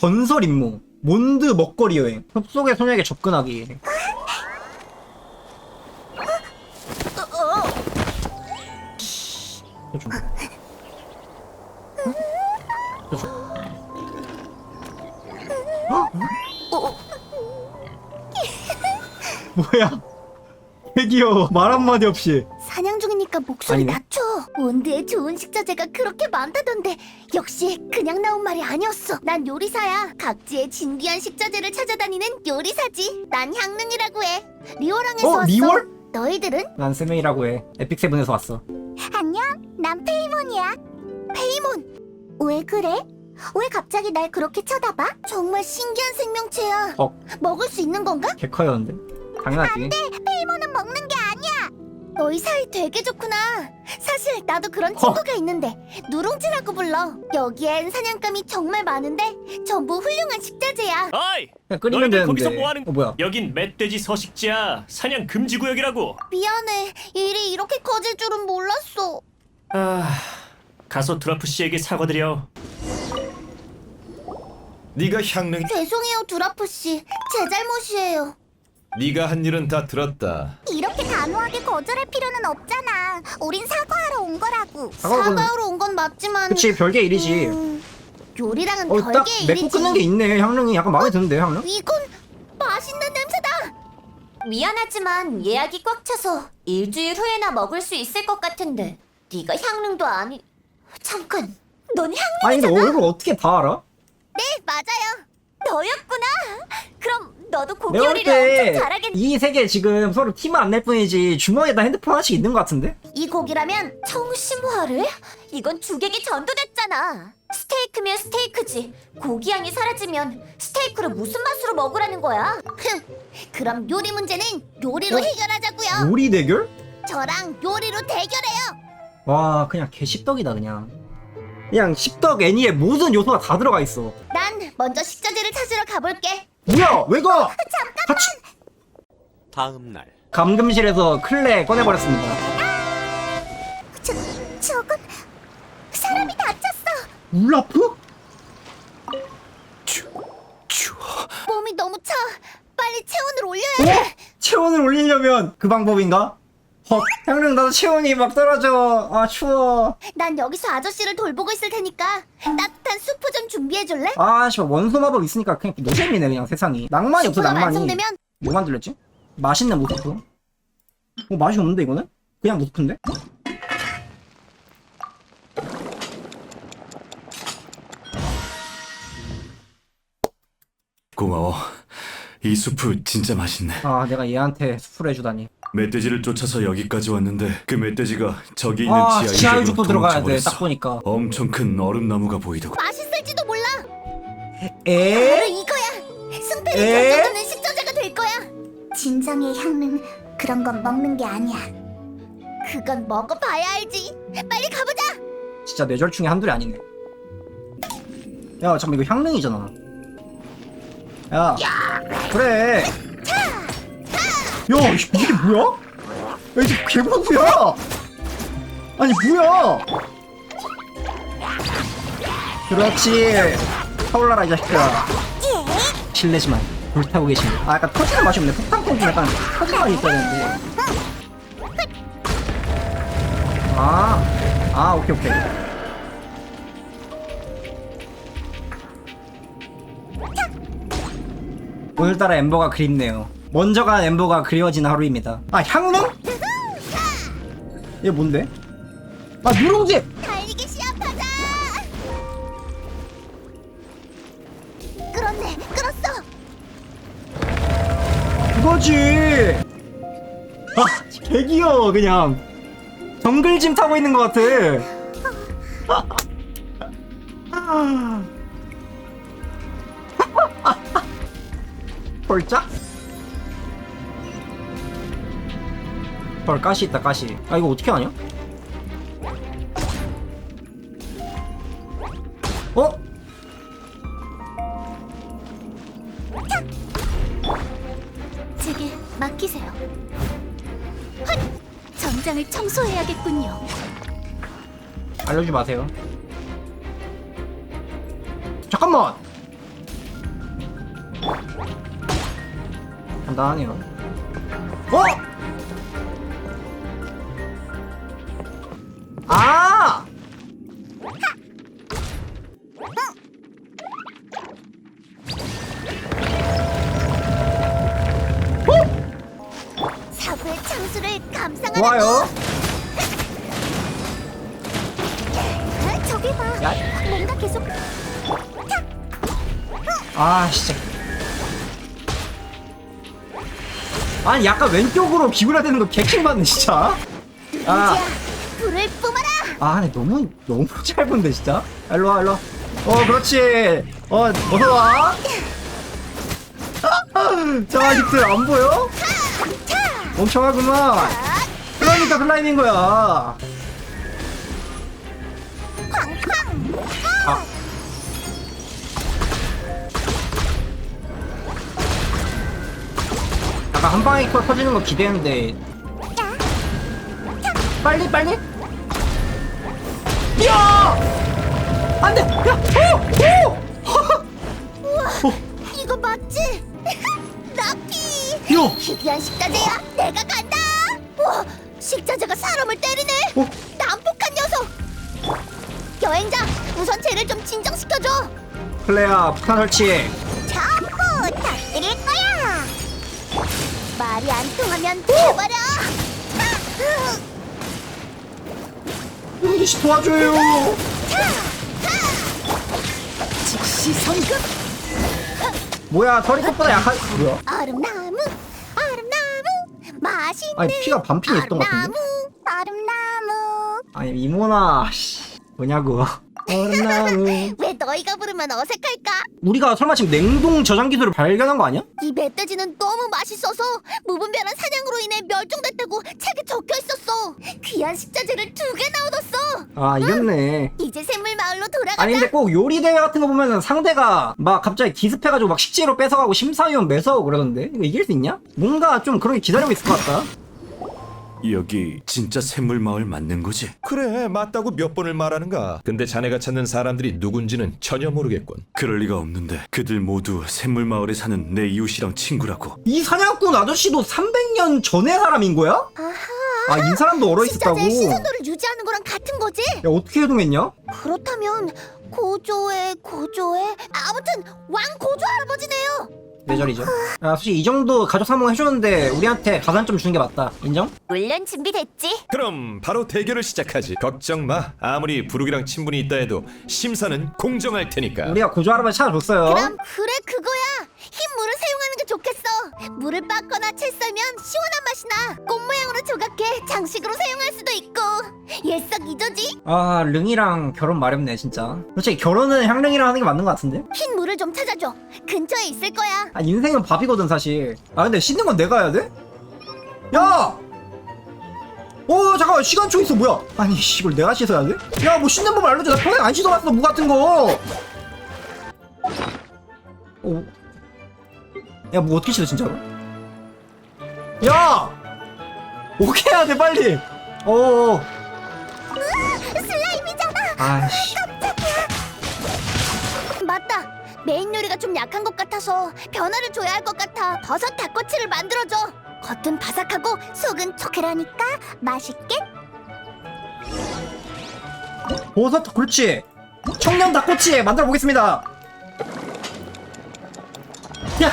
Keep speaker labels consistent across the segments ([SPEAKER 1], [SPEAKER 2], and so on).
[SPEAKER 1] 전설 임무 몬드 먹거리 여행 숲속의 소녀에게 접근하기. 뭐야? 개 귀여워. 말 한마디 없이.
[SPEAKER 2] 사냥 중이니까 목소리
[SPEAKER 1] 아니네.
[SPEAKER 2] 낮춰. 몬드에 좋은 식자재가 그렇게 많다던데 역시 그냥 나온 말이 아니었어. 난 요리사야. 각지의 진귀한 식자재를 찾아다니는 요리사지. 난 향릉이라고 해. 리오랑에서 왔어.
[SPEAKER 1] 리월?
[SPEAKER 2] 너희들은?
[SPEAKER 1] 난 세명이라고 해. 에픽세븐에서 왔어.
[SPEAKER 2] 안녕. 난 페이몬이야. 페이몬. 왜 그래? 왜 갑자기 날 그렇게 쳐다봐? 정말 신기한 생명체야. 먹을 수 있는 건가?
[SPEAKER 1] 개 커였는데. 당연하지.
[SPEAKER 2] 페이몬은 먹는 게 아니야. 너희 사이 되게 좋구나. 사실 나도 그런 친구가 있는데 누룽지라고 불러. 여기엔 사냥감이 정말 많은데 전부 훌륭한 식자재야.
[SPEAKER 3] 어이!
[SPEAKER 1] 그냥 끓이면
[SPEAKER 3] 너희들
[SPEAKER 1] 되는데.
[SPEAKER 3] 거기서 뭐하는
[SPEAKER 1] 뭐야?
[SPEAKER 3] 여긴 멧돼지 서식지야. 사냥 금지 구역이라고.
[SPEAKER 2] 미안해. 일이 이렇게 커질 줄은 몰랐어.
[SPEAKER 3] 가서 드라프 씨에게 사과드려.
[SPEAKER 4] 네가 향릉,
[SPEAKER 2] 죄송해요, 두라프 씨. 제 잘못이에요.
[SPEAKER 4] 네가 한 일은 다 들었다.
[SPEAKER 2] 이렇게 단호하게 거절할 필요는 없잖아. 우린 사과하러 온 거라고.
[SPEAKER 1] 사과는-
[SPEAKER 2] 사과하러 온 건 맞지만
[SPEAKER 1] 그치, 별개 일이지.
[SPEAKER 2] 요리랑은
[SPEAKER 1] 딱
[SPEAKER 2] 별개의
[SPEAKER 1] 맺고
[SPEAKER 2] 일이지.
[SPEAKER 1] 끊는 게 있네. 향릉이 약간 마음에 드는데, 향릉?
[SPEAKER 2] 이건 맛있는 냄새다. 미안하지만 예약이 꽉 차서 일주일 후에나 먹을 수 있을 것 같은데 네가 향릉도 아니. 잠깐, 넌 향릉?
[SPEAKER 1] 아니, 근데 얼굴 어떻게 다 알아?
[SPEAKER 2] 네, 맞아요. 너였구나. 그럼 너도 고기
[SPEAKER 1] 내가 볼
[SPEAKER 2] 요리를 엄청
[SPEAKER 1] 때
[SPEAKER 2] 잘하겠네.
[SPEAKER 1] 이 세계 지금 서로 팀은 안 낼 뿐이지 주머니에다 핸드폰 하나씩 있는 것 같은데?
[SPEAKER 2] 이 고기라면 청심화를? 이건 주객이 전도됐잖아. 스테이크면 스테이크지. 고기 향이 사라지면 스테이크를 무슨 맛으로 먹으라는 거야? 그럼 요리 문제는 요리로 해결하자고요.
[SPEAKER 1] 요리 대결?
[SPEAKER 2] 저랑 요리로 대결해요.
[SPEAKER 1] 와, 그냥 개십덕이다, 그냥. 그냥 십덕 애니에 모든 요소가 다 들어가 있어.
[SPEAKER 2] 난 먼저 식자재를 찾으러 가볼게.
[SPEAKER 1] 뭐야? 왜 가? 같이.
[SPEAKER 5] 다음 날
[SPEAKER 1] 감금실에서 클레 꺼내버렸습니다.
[SPEAKER 2] 저건 사람이 다쳤어.
[SPEAKER 1] 울라프?
[SPEAKER 2] 몸이 너무 차. 빨리 체온을 올려야 해.
[SPEAKER 1] 체온을 올리려면 그 방법인가? 헉, 향릉 나도 체온이 막 떨어져. 아, 추워.
[SPEAKER 2] 난 여기서 아저씨를 돌보고 있을 테니까 따뜻한 수프 좀 준비해 줄래?
[SPEAKER 1] 아, 씨발 원소 마법 있으니까 그냥 노잼이네, 그냥 세상이. 낭만이 없어,
[SPEAKER 2] 수프가
[SPEAKER 1] 낭만이.
[SPEAKER 2] 완성되면
[SPEAKER 1] 뭐 만들렸지? 맛있는 모스프? 맛이 없는데 이거는? 그냥 모스프인데?
[SPEAKER 4] 고마워. 이 수프 진짜 맛있네.
[SPEAKER 1] 아, 내가 얘한테 수프를 해주다니.
[SPEAKER 4] 멧돼지를 쫓아서 여기까지 왔는데 그 멧돼지가 저기 있는
[SPEAKER 1] 아,
[SPEAKER 4] 지하
[SPEAKER 1] 지하유적도
[SPEAKER 4] 유적으로
[SPEAKER 1] 들어가야 돼,
[SPEAKER 4] 도망쳐버렸어.
[SPEAKER 1] 딱 보니까.
[SPEAKER 4] 엄청 큰 얼음나무가 보이더군.
[SPEAKER 2] 맛있을지도 몰라.
[SPEAKER 1] 에?
[SPEAKER 2] 바로 이거야. 승패를
[SPEAKER 1] 에?
[SPEAKER 2] 결정하는 식자재가 될 거야. 진정의 향은 그런 건 먹는 게 아니야. 그건 먹어봐야 알지. 빨리 가보자.
[SPEAKER 1] 진짜 뇌절충이 한둘이 아니네. 야, 잠깐만, 이거 향릉이잖아. 야, 그래. 야, 이게 뭐야? 야, 이게 개버그야! 아니, 뭐야! 그렇지. 타올라라, 이 자식들아. 실례지만, 불타고 계시네. 아, 약간 터지는 맛이 없네. 폭탄통 좀 약간 터지는 맛이 있어야 되는데. 오케이, 오케이. 오늘따라 엠버가 그립네요. 먼저 간 엠버가 그리워지는 하루입니다. 아, 향릉? 얘 뭔데? 아, 누룽지!
[SPEAKER 2] 달리기 시합하자. 끌었네. 끌었어.
[SPEAKER 1] 그거지! 아, 개 귀여워, 그냥. 정글짐 타고 있는 것 같아. 헐짝? 헐, 가시 있다, 가시. 아, 이거 어떻게 하냐? 어?
[SPEAKER 2] 제게 맡기세요. 헛! 정장을 청소해야겠군요.
[SPEAKER 1] 알려주지 마세요. 잠깐만! 간단하네요. 어? 아!
[SPEAKER 2] 사부의 창수를 감상하라고.
[SPEAKER 1] 좋아요.
[SPEAKER 2] 저기 봐.
[SPEAKER 1] 야.
[SPEAKER 2] 뭔가 계속
[SPEAKER 1] 아, 진짜. 아니, 약간 왼쪽으로 기울여야 되는 거 개킹 받네, 진짜. 아,
[SPEAKER 2] 이제야 불을 뿜어라.
[SPEAKER 1] 아, 근데 너무 짧은데, 진짜. 일로 와, 일로 와. 그렇지. 어서 와. 자, 히트 안 보여? 멍청하구만. 그러니까 클라이밍 거야.
[SPEAKER 2] 쾅쾅.
[SPEAKER 1] 아. 아까 한 방에 터지는 거 기대했는데 빨리 야! 안돼! 야!
[SPEAKER 2] 우와, 이거 맞지? 럭키.
[SPEAKER 1] 야!
[SPEAKER 2] 희귀한 식자재야. 내가 간다. 우와, 식자재가 사람을 때리네.
[SPEAKER 1] 어?
[SPEAKER 2] 난폭한 녀석. 여행자, 우선 쟤를 좀 진정시켜줘.
[SPEAKER 1] 클레야, 폭탄 설치.
[SPEAKER 2] 자꾸 터뜨릴 거야. 말이 안 통하면 해버려.
[SPEAKER 1] 용기 씨 도와줘요.
[SPEAKER 2] 즉시 성급.
[SPEAKER 1] 뭐야, 털이 꽃보다 약한. 뭐야?
[SPEAKER 2] 얼음나무, 얼음나무, 맛있는.
[SPEAKER 1] 아니, 피가 반핀이 있던 것 같은데?
[SPEAKER 2] 얼음나무.
[SPEAKER 1] 아니, 이모나, 씨. 뭐냐고. 얼음나무.
[SPEAKER 2] 왜 너희가 부르면 어색할까?
[SPEAKER 1] 우리가 설마 지금 냉동 저장 기술을 발견한 거 아니야?
[SPEAKER 2] 이 멧돼지는 너무 맛있어서 무분별한 사냥으로 인해 멸종됐다고 책에 적혀 있었어. 귀한 식자재를 2개나 얻었어.
[SPEAKER 1] 아, 이겼네.
[SPEAKER 2] 이제 샘물 마을로 돌아가자.
[SPEAKER 1] 아니 근데 꼭 요리 대회 같은 거 보면은 상대가 막 갑자기 기습해가지고 막 식재료 뺏어가고 심사위원 매서고 그러던데 이거 이길 수 있냐? 뭔가 좀 그런 게 기다리고 있을 것 같다.
[SPEAKER 4] 여기 진짜 샘물 마을 맞는 거지?
[SPEAKER 6] 그래 맞다고 몇 번을 말하는가. 근데 자네가 찾는 사람들이 누군지는 전혀 모르겠군.
[SPEAKER 4] 그럴 리가 없는데 그들 모두 샘물 마을에 사는 내 이웃이랑 친구라고.
[SPEAKER 1] 이 사냥꾼 아저씨도 300년 전의 사람인 거야?
[SPEAKER 2] 아하.
[SPEAKER 1] 아, 이 사람도 얼어있었다고?
[SPEAKER 2] 식자재의 신선도를 유지하는 거랑 같은 거지?
[SPEAKER 1] 야, 어떻게 해동했냐?
[SPEAKER 2] 그렇다면 고조의 아무튼 왕 고조 할아버지네요.
[SPEAKER 1] 뇌절이죠. 야, 솔직히 이 정도 가족 상봉 해줬는데 우리한테 가산점 주는 게 맞다. 인정?
[SPEAKER 2] 물론 준비됐지.
[SPEAKER 6] 그럼 바로 대결을 시작하지. 걱정 마. 아무리 부르기랑 친분이 있다 해도 심사는 공정할 테니까.
[SPEAKER 1] 우리가 고조 할아버지 찾아줬어요.
[SPEAKER 2] 그럼 그래 그거야. 흰 물을 사용하는 게 좋겠어. 물을 빻거나 채 썰면 시원한 맛이 나. 꽃 모양으로 조각해 장식으로 사용할 수도 있고. 일석이조지.
[SPEAKER 1] 아, 릉이랑 결혼 마렵네 진짜. 솔직히 결혼은 향릉이랑 하는 게 맞는 것 같은데?
[SPEAKER 2] 흰 물을 좀 찾아줘. 근처에 있을 거야.
[SPEAKER 1] 아, 인생은 밥이거든 사실. 아, 근데 씻는 건 내가 해야 돼? 야! 잠깐만, 시간초 있어. 뭐야? 아니 이걸 내가 씻어야 돼? 야, 뭐 씻는 법 알려줘. 나 평생 안 씻어봤어 무 같은 거. 야, 뭐 어떻게 씻어 진짜로? 야! 어떻게 해야 돼 빨리.
[SPEAKER 2] 슬라임이잖아.
[SPEAKER 1] 아이씨.
[SPEAKER 2] 맞다. 메인 요리가 좀 약한 것 같아서 변화를 줘야 할 것 같아. 버섯 닭꼬치를 만들어줘. 겉은 바삭하고 속은 촉촉하니까 맛있게.
[SPEAKER 1] 버섯, 그렇지. 청년 닭꼬치 만들어 보겠습니다. 야!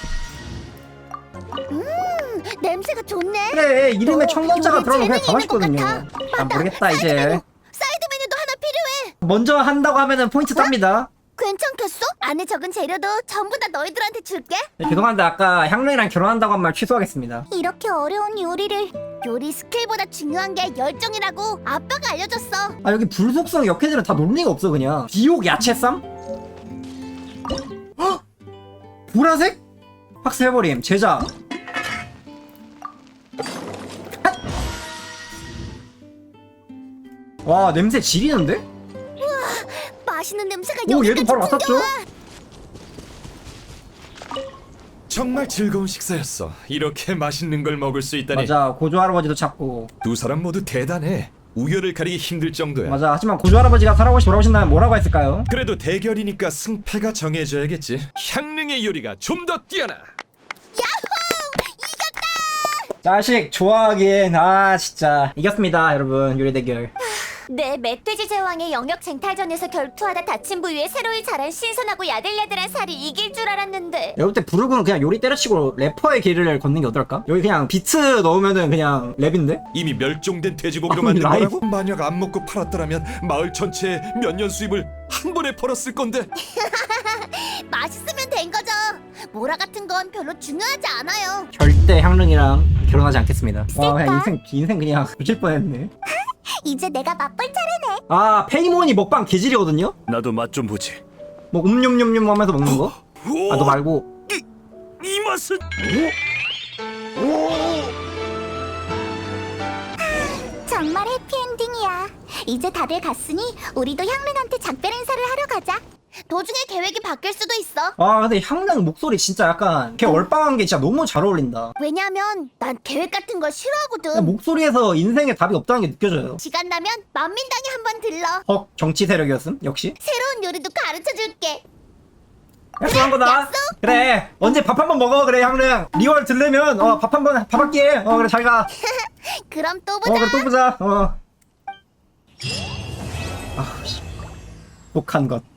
[SPEAKER 2] 냄새가 좋네.
[SPEAKER 1] 그래, 이름에 청년자가
[SPEAKER 2] 요리
[SPEAKER 1] 들어가면 그냥 다
[SPEAKER 2] 재능이 있는 것
[SPEAKER 1] 맛있거든요.
[SPEAKER 2] 같아.
[SPEAKER 1] 아,
[SPEAKER 2] 맞다.
[SPEAKER 1] 모르겠다
[SPEAKER 2] 사이드
[SPEAKER 1] 이제.
[SPEAKER 2] 메뉴. 사이드 메뉴도 하나 필요해.
[SPEAKER 1] 먼저 한다고 하면은 포인트 땁니다.
[SPEAKER 2] 괜찮겠어? 안에 적은 재료도 전부 다 너희들한테 줄게.
[SPEAKER 1] 네, 죄송한데 아까 향릉이랑 결혼한다고 한 말 취소하겠습니다.
[SPEAKER 2] 이렇게 어려운 요리를 요리 스킬보다 중요한 게 열정이라고 아빠가 알려줬어.
[SPEAKER 1] 아, 여기 불속성 역해들은 다 논리가 없어 그냥. 비옥 야채쌈? 헉! 보라색? 학습해버림. 제자. 핫! 와, 냄새 지리는데?
[SPEAKER 2] 맛있는 냄새가
[SPEAKER 1] 오, 얘도
[SPEAKER 2] 여기까지
[SPEAKER 1] 바로 맡았죠?
[SPEAKER 2] 풍겨와.
[SPEAKER 6] 정말 즐거운 식사였어. 이렇게 맛있는 걸 먹을 수 있다니.
[SPEAKER 1] 맞아, 고조 할아버지도 찾고.
[SPEAKER 6] 두 사람 모두 대단해. 우열을 가리기 힘들 정도야.
[SPEAKER 1] 맞아, 하지만 고조 할아버지가 살아오시 돌아오신다면 뭐라고 했을까요?
[SPEAKER 6] 그래도 대결이니까 승패가 정해져야겠지. 향릉 향릉의 요리가 좀 더 뛰어나.
[SPEAKER 1] 자식 좋아하긴. 아 진짜 이겼습니다 여러분. 요리 대결.
[SPEAKER 2] 내 멧돼지 제왕의 영역 쟁탈전에서 결투하다 다친 부위에 새로이 자란 신선하고 야들야들한 살이 이길 줄 알았는데
[SPEAKER 1] 여기 때 부르고는 그냥 요리 때려치고 래퍼의 길을 걷는 게 어떨까? 여기 그냥 비트 넣으면은 그냥 랩인데?
[SPEAKER 6] 이미 멸종된 돼지고기로
[SPEAKER 1] 아니,
[SPEAKER 6] 만든
[SPEAKER 1] 라이브-
[SPEAKER 6] 거라고? 만약 안 먹고 팔았더라면 마을 전체에 몇 년 수입을 한 번에 벌었을 건데.
[SPEAKER 2] 맛있으면 된 거죠. 모라 같은 건 별로 중요하지 않아요.
[SPEAKER 1] 절대 향릉이랑 결혼하지 않겠습니다. 와 그냥 인생 그냥 부실 뻔했네.
[SPEAKER 2] 이제 내가 맛볼 차례네.
[SPEAKER 1] 아 페이몬이 먹방 개질이거든요?
[SPEAKER 4] 나도 맛 좀 보지.
[SPEAKER 1] 뭐 음뇸뇸뇸 하면서 먹는 거? 아 너 말고
[SPEAKER 4] 이 맛은
[SPEAKER 2] 정말 해피엔딩이야. 이제 다들 갔으니 우리도 향릉한테 작별 인사를 하러 가자. 도중에 계획이 바뀔 수도 있어.
[SPEAKER 1] 아 근데 향릉 목소리 진짜 약간 걔 얼빵한 게 진짜 너무 잘 어울린다.
[SPEAKER 2] 왜냐면 난 계획 같은 거 싫어하거든.
[SPEAKER 1] 목소리에서 인생에 답이 없다는 게 느껴져요.
[SPEAKER 2] 시간 나면 만민당에 한번 들러.
[SPEAKER 1] 헉 정치 세력이었음 역시.
[SPEAKER 2] 새로운 요리도 가르쳐줄게.
[SPEAKER 1] 약속한 거다.
[SPEAKER 2] 약속?
[SPEAKER 1] 그래 언제 밥 한 번 먹어. 그래 향릉 리월 들려면 밥 할게. 그래 잘 가.
[SPEAKER 2] 그럼 또 보자.
[SPEAKER 1] 그래 또 보자. 독한 것.